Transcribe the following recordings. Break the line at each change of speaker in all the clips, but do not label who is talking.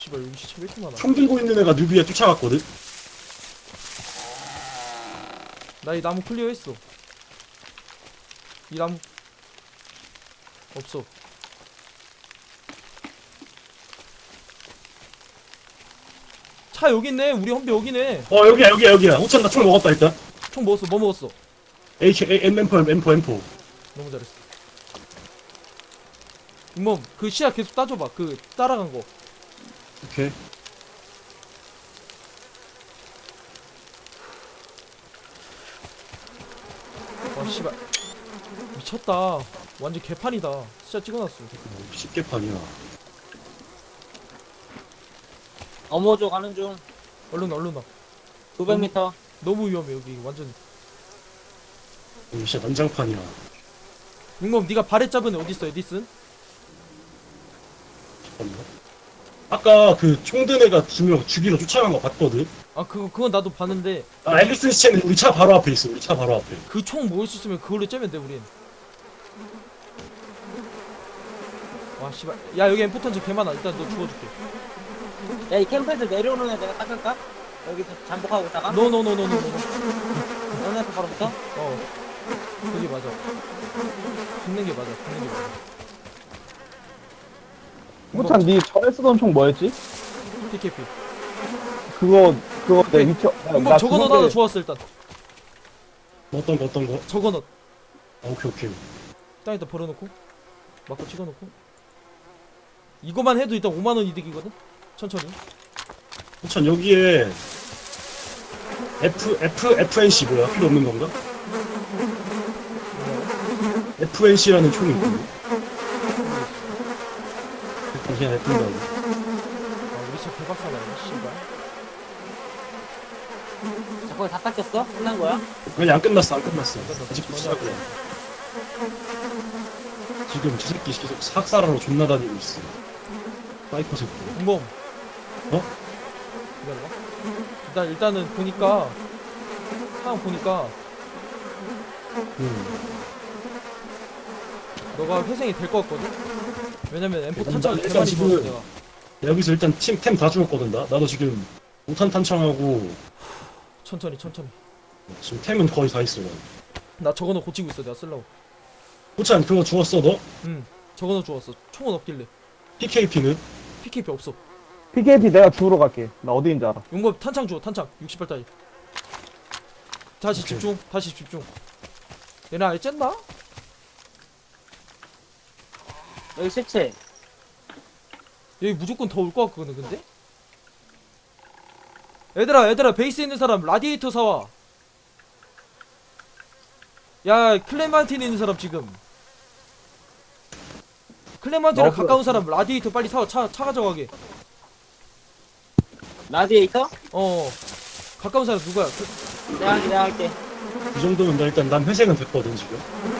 씨발 여기 시체 왜 이렇게 많아?
총 들고 있는 애가 누비에 쫓아갔거든?
나 이 나무 클리어했어. 이 나무 없어. 차 여기 있네. 우리 험비 여기네.
여기야. 호찬 나 총 먹었다, 일단.
총 먹었어. 뭐 먹었어?
M4.
너무 잘했어. 이몸 그 시야 계속 따줘봐. 그 따라간 거.
오케이.
와 씨발 미쳤다. 완전 개판이다. 진짜 찍어놨어.
쉽게 판이야.
어머조 가는 중.
얼른 와.
900m.
너무 위험해 여기 완전.
이거 진짜 난장판이야.
이몸 네가 발에 잡은 애 어딨어? 에디슨?
잠깐만. 아까 그 총 든 애가 2명 죽이러 쫓아간 거 봤거든?
아 그건 나도 봤는데
아, 앨리슨 시체는 우리 차 바로 앞에 있어. 우리 차 바로 앞에.
그 총 모을 수 있으면 그걸로 째면 돼 우린. 와 씨발 야 여기 엠포 턴지 개 많아. 일단 너 죽어줄게.
야, 이 캠프에서 내려오는 애 내가 닦을까? 여기서 잠복하고 있다가?
노노노노노노.
너네한테 바로 붙어?
그게 맞아. 죽는 게 맞아.
호찬 니 전에 쓰던 총 뭐였지?
PKP.
그거 내 미쳐.
이거 저거 넣어놔도 좋았어 일단.
어떤 거?
저거 넣어.
아, 오케이.
땅에다 버려놓고 막고 찍어놓고. 이거만 해도 일단 5만원 이득이거든? 천천히.
호찬, 여기에 FNC 뭐야? 필요 없는 건가? FNC라는 총이 있거든. 그냥 냅둔다고.
아 우리 차 개박사네 씨발.
자, 거기 다 닦였어? 끝난 거야?
아니, 안 끝났어. 아직도
전혀
시작이야. 지금 저 새끼 계속 학살하러 존나 다니고 있어. 사이코 새끼.
공범.
어?
기다려봐. 일단은 보니까 상황 보니까 너가 회생이 될 것 같거든? 왜냐면 M4 탄창을
일단
개많이
지금-
주었어 내가.
여기서 일단 템 다 죽었거든. 나도 지금 우탄 탄창하고
천천히
지금 템은 거의 다 있어.
나 저거 너 고치고 있어 내가 쓰려고.
호찬, 그거 주웠어 너?
저거 너 주웠어. 총은 없길래.
PKP는?
PKP 없어.
PKP 내가 주우러 갈게. 나 어디인지 알아.
용법 탄창 주워. 탄창 60발짜리. 다시
오케이.
집중. 얘네 아예 쨌나?
여기 시체.
여기 무조건 더 올 것 같거든 근데? 얘들아 베이스에 있는 사람 라디에이터 사와. 야 클레만틴에 있는 사람 지금 클레만틴에
너
가까운 사람 라디에이터 빨리 사와. 차 가져가게.
라디에이터?
가까운 사람 누구야?
내가 할게.
이 정도면 나 일단 난 회생은 됐거든 지금.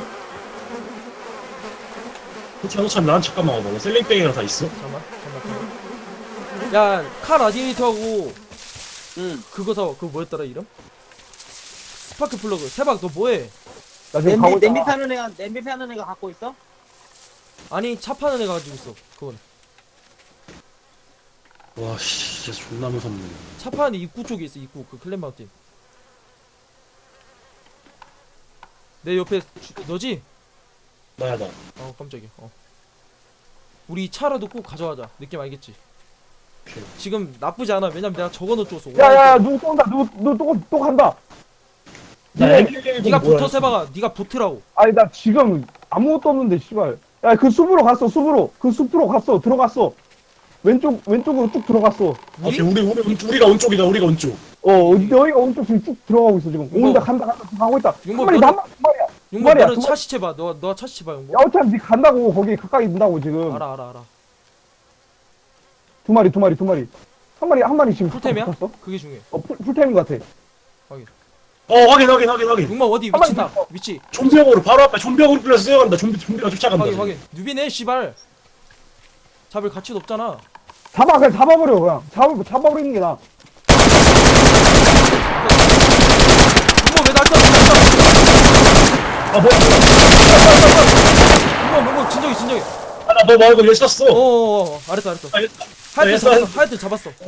호찬 난 잠깐만 와봐. 나 셀링백이랑 다 있어.
잠깐만. 야 카 라디에이터하고
응.
그거 사와. 그거 뭐였더라 이름? 스파크 플러그. 세박 너 뭐해?
나 지금 가고 있다.
냄비 파는 애가 갖고 있어?
아니 차 파는 애가 가지고 있어. 그건
와, 씨, 진짜 존나 무섭네.
차 파는 입구 쪽에 있어. 입구 그 클랜마운틴. 내 옆에 너지?
나야 나.
깜짝이야. 우리 차라도 꼭 가져가자. 느낌 알겠지?
오케이.
지금 나쁘지 않아. 왜냐면 내가 저거 넣어줬어.
야야 누구 쏜다. 누구 또 간다.
나
네.
M111
네가
뭐야?
붙어 세봐가. 네가 붙으라고.
아니 나 지금 아무것도 없는데 씨발. 야 그 숲으로 갔어. 그 숲으로 갔어. 들어갔어. 왼쪽으로 쭉 들어갔어.
우리?
오케이, 우리가 온쪽이다. 우리가 온쪽.
너희가 오른쪽 지금 쭉 들어가고 있어 지금.
용범.
온다 간다 가고 있다. 한
용범
마리
너는-
한 마리야.
용범
말이야,
너는
두
차 시체 봐. 너 차 시체 봐 용범.
야 어차피 니 간다고 거기 가까이 있다고 지금.
알아.
두 마리. 한 마리 지금
풀템이야?
붙었어?
그게 중요해.
풀템인 것 같아.
확인.
용범 어디
한 마리
위치다.
붙었어.
위치.
좀비형으로 바로 앞에 좀비형으로 불려서 뛰어간다. 좀비가 쫓아간다.
확인. 누비네 씨발. 잡을 가치도 없잖아.
그냥 잡아버려 그냥. 잡아버리는 게 나아.
용범 왜날 쏴?
아, 뭐야.
용범 진정해.
아, 나 너 말고 얘 쐈어.
알았어.
아,
하얗게
했어,
잡았어.
했어.
하얗게 잡았어.